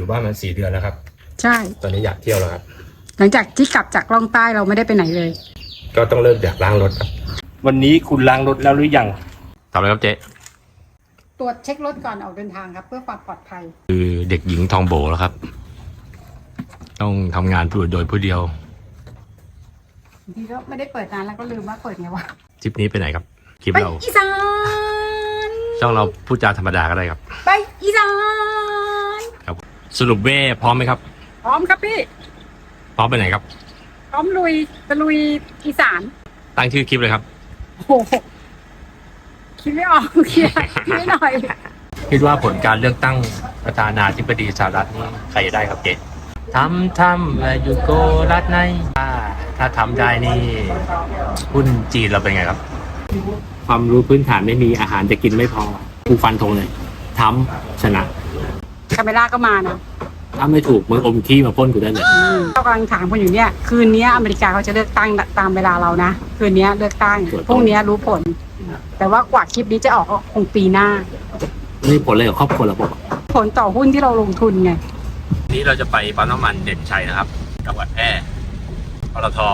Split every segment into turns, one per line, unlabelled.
อยู่บ้านมัน4 เดือนแล้วครับ
ใช่
ตอนนี้อยากเที่ยวแล้วครับ
หลังจากที่กลับจากล่องใต้เราไม่ได้ไปไหนเลย
ก็ต้องเลิกอยากล้างรถครับวันนี้คุณล้างรถแล้วหรือยังทำอะไรครับเจ๊
ตรวจเช็ครถก่อนออกเดินทางครับเพื่อความปลอดภัย
คือเด็กหญิงทองโบแล้วครับต้องทำงานโดยผู้เดียว
บางทีก็ไม่ได้เปิดนานแล้วก็ลืมว่าเปิดไงวะ
ทริปนี้ไปไหนครับคลิปเรา
อีสาน
ช่องเราพูดจาธรรมดาก็ได้ครับ
ไปอีสาน
ครับสรุปเว่พร้อมไหมครับ
พร้อมครับพี่
พร้อมไปไหนครับ
พร้อมลุยตะลุยอีสาน
ตั้งชื่อคลิปเลยครับ
โอ้โหคิดไม่ออกคิดไม่หน่อย
คิดว่าผลการเลือกตั้งประธานาธิบดีสหรัฐนี่ใครจะได้ครับเจ๊ทำอยู่โกรัฐในถ้าทำได้นี่หุ้นจีนเราเป็นไงครับความรู้พื้นฐานไม่มีอาหารจะกินไม่พอกูฟันธงเลยทำชนะ
คาเมล่าก็มานะ
ถ้าไม่ถูกมึงอมขี้มาพ่นกูได้เลย
เรากำลังถามคนอยู่เนี่ยคืนนี้อเมริกาเขาจะเลือกตั้งตามเวลาเรานะคืนนี้เลือกตั้งพรุ่งนี้รู้ผลแต่ว่ากว่าคลิปนี้จะออกก็คงปีหน้า
นี่ผลอะไรกับครอบครัวเราบอก
ผลต่อหุ้นที่เราลงทุนไง
นี้เราจะไปปั๊มน้ำมันเด่นชัยนะครับจังหวัดแพร่ปตท.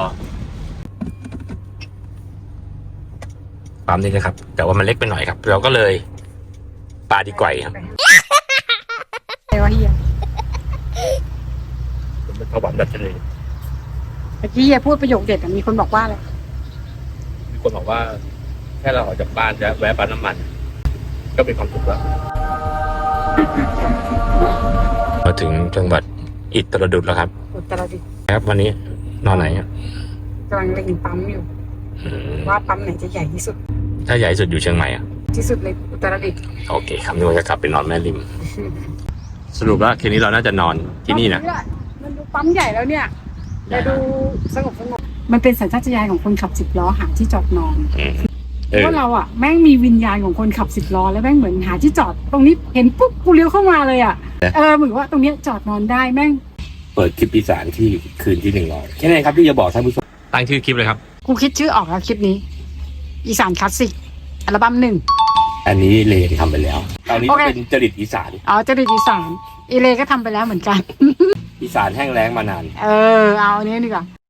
ปั๊มนี้นะครับแต่ว่ามันเล็กไปหน่อยครับเราก็เลยปาดีกว่าครับ
อะไรวะเฮีย
เป็นข้าวหวานดัชนี
เมื่อกี้เฮียพูดประโยคเด็ดมีคนบอกว่าอะไร
มีคนบอกว่าแค่เราออกจากบ้านจะแวะปั๊มน้ำมันก็เป็นความสุขแล้วมาถึงจังหวัดอุตรดิตถ์แล้วครับ
อุตรดิตถ์
ครับวันนี้นอนไหนครับ
กำลังเล็งปั๊มอยู่ว่าปั๊มไหนจะใหญ่ที่สุด
ถ้าใหญ่สุดอยู่เชียงใหม่อ่ะ
ที่สุดเลยอุตรดิตถ์
โอเคครับนึกว่าจะกลับไปนอนแม่ริมสรุปว่าคืนนี้เราน่าจะนอนที่นี่นะ
มันดูปั๊มใหญ่แล้วเนี่ยแต่ดูสงบมันเป็นสัญชาตญาณของคนขับ10 ล้อหาที่จอดนอนเพราะว่าเราอ่ะแม่งมีวิญญาณของคนขับ10 ล้อแล้วแม่งเหมือนหาที่จอดตรงนี้เห็นปุ๊บกูเลี้ยวเข้ามาเลยอ่ะเหมือนว่าตรงนี้จอดนอนได้แม่ง
เปิดคลิปอีสานที่คืนที่100แค่ไหนครับที่จะบอกท่านผู้ชมตั้งชื่อคลิปเลยครับ
กูคิดชื่อออกแล้วคลิปนี้อีสานคลาสสิกอัลบั้ม1
อันนี้เลทำไปแล้วตอนนี้เป็นจริตอีสาน
จริตอีสานอีเลก็ทำไปแล้วเหมือนกัน
อีสานแห้งแล้งมานาน
เอาอันนี้ดีกว่า